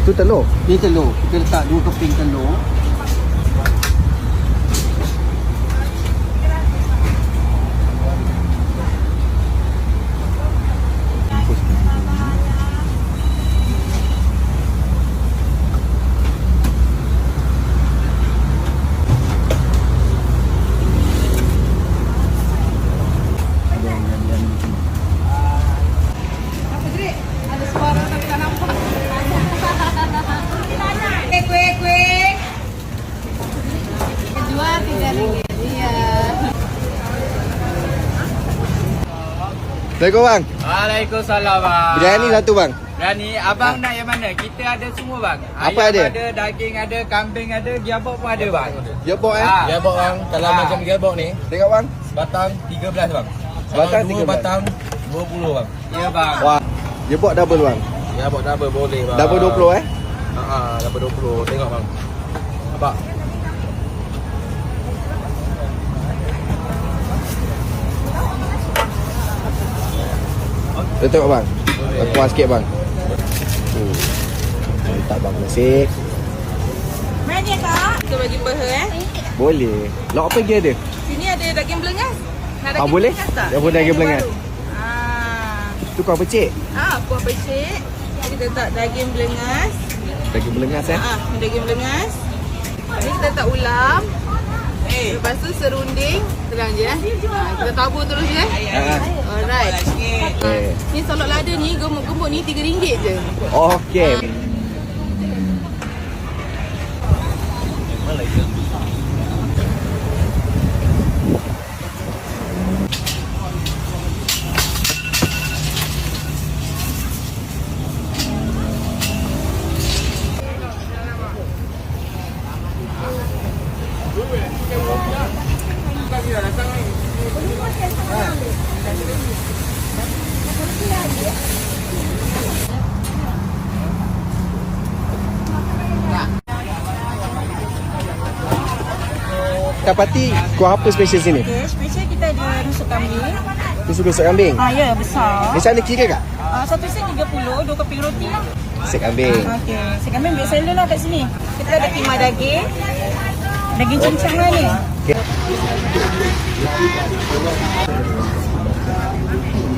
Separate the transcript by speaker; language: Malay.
Speaker 1: Tu telur.
Speaker 2: Ni telur. Kita letak 2 keping telur.
Speaker 1: Assalamualaikum bang.
Speaker 3: Waalaikumsalam bang.
Speaker 1: Biryani satu bang.
Speaker 3: Biryani abang nak yang mana? Kita ada semua bang.
Speaker 1: Apa
Speaker 3: Ayam
Speaker 1: ada?
Speaker 3: ada, daging ada, kambing ada, gearbox pun ada bang.
Speaker 1: Gearbox
Speaker 4: Gearbox bang, kalau macam gearbox ni
Speaker 1: Tengok bang.
Speaker 4: sebatang 13 bang.
Speaker 1: Sebatang 13.
Speaker 4: 2 batang 20 bang.
Speaker 3: Ya bang.
Speaker 1: Wah. Gearbox double bang.
Speaker 4: Gearbox double boleh bang.
Speaker 1: Double 20
Speaker 4: double 20. Tengok bang. Nampak?
Speaker 1: Dia tengok bang. Kuat sikit bang. Letak bang nasi.
Speaker 5: Mana kak? Kita bagi peha
Speaker 1: Boleh. Lauk apa lagi ada?
Speaker 5: Sini ada daging belengas. Nak daging
Speaker 1: Boleh?
Speaker 5: belengas tak?
Speaker 1: Yang pun daging belengas.
Speaker 5: Ah.
Speaker 1: Tu kuah pecik.
Speaker 5: Kuah pecik. Kita letak daging belengas.
Speaker 1: Daging belengas
Speaker 5: Daging belengas. Ni kita letak ulam. Lepas tu serunding. Terang je kita tabur terus je. Alright. Ni solok lada ni, gemuk-gemuk ni RM3 je.
Speaker 1: Okey. Kapati, kuah apa special sini?
Speaker 5: Okay, special kita ada rusuk kambing.
Speaker 1: Dia suka sup kambing.
Speaker 5: Ya, besar.
Speaker 1: Di sana kira tak?
Speaker 5: Satu set 30, 2 keping roti lah.
Speaker 1: Sup kambing.
Speaker 5: Okey, set kambing biasa seller lah kat sini. Kita ada timah daging. Daging cincang lah ni.
Speaker 1: Okay.